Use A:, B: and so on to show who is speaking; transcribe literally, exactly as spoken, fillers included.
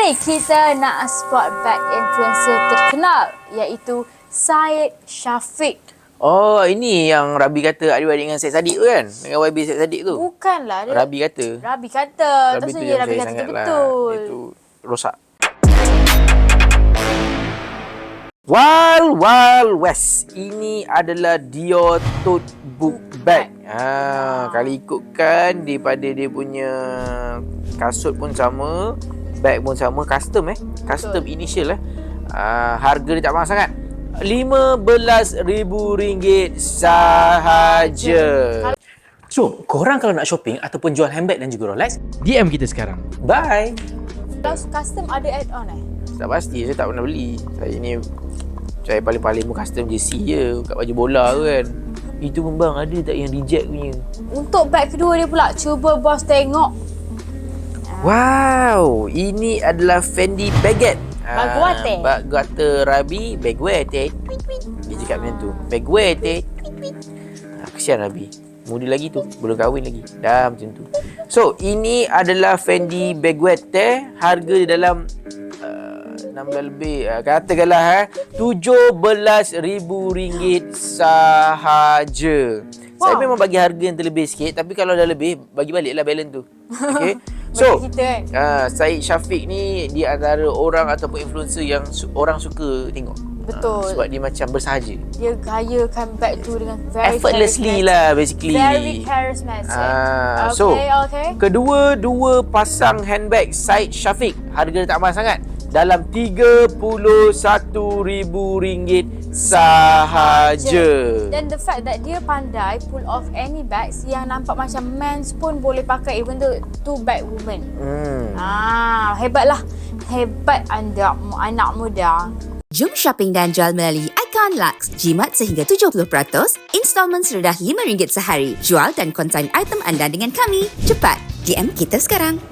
A: Hari ni kita nak spot bag influencer terkenal iaitu Syed Shafeeq.
B: Oh, ini yang Rabi kata adik-adik dengan Syed Saddiq tu kan? Dengan Y B Syed Saddiq tu?
A: Bukanlah. Dia,
B: Rabi kata.
A: Rabi kata. Tak
B: Rabi tu
A: saja Rabi
B: saya
A: kata
B: sangat
A: tu
B: lah.
A: betul.
B: Itu rosak. Wild Wild West. Ini adalah Dior Tote Book Bag. Ha, kalau ikutkan daripada dia punya kasut pun sama, bag pun sama, custom eh. Custom
A: Betul.
B: initial eh. Ha, harga dia tak mahal sangat. lima belas ribu ringgit sahaja.
C: So, korang kalau nak shopping ataupun jual handbag dan juga Rolex,
D: D M kita sekarang.
B: Bye.
A: Kalau custom ada add-on eh?
B: Tak pasti, saya tak pernah beli. Saya ni, saya paling-paling pun custom jersey je kat baju bola tu kan. Itu pun bang, ada tak yang reject punya?
A: Untuk bag kedua dia pula, cuba bos tengok.
B: Wow, ini adalah Fendi Baguette.
A: Baguette.
B: Ah, Baguette Rabi, Baguette. Tweet tweet. Dia cakap macam tu. Baguette. Tweet tweet. Ah, kesian Rabi. Muda lagi tu, belum kahwin lagi. Dah macam tu. So, ini adalah Fendi Baguette. Harga di dalam uh, enam belas lebih. Uh, katakanlah eh, tujuh belas ribu ringgit sahaja. Wow. Saya memang bagi harga yang terlebih sikit, tapi kalau dah lebih, bagi baliklah balance tu. Okay. So,
A: kita, kan?
B: uh, Syed Shafeeq ni di antara orang ataupun influencer yang su- orang suka tengok.
A: Betul.
B: Uh, sebab dia macam bersahaja.
A: Dia gayakan bag tu dengan very
B: Effortlessly lah basically.
A: Very charismatic.
B: Ah,
A: okay,
B: so,
A: okay.
B: kedua-dua pasang handbag Syed Shafeeq, harga dia tak mahal sangat. Dalam tiga puluh satu ribu ringgit sahaja.
A: Dan the fact that dia pandai pull off any bags yang nampak macam men's pun boleh pakai, even though two bag women.
B: Hmm.
A: Ah, hebatlah. Hebat anda anak muda.
E: Jom shopping dan jual melalui Icon Lux. Jimat sehingga tujuh puluh peratus, installment serendah lima ringgit sehari. Jual dan konsign item anda dengan kami. Cepat, D M kita sekarang.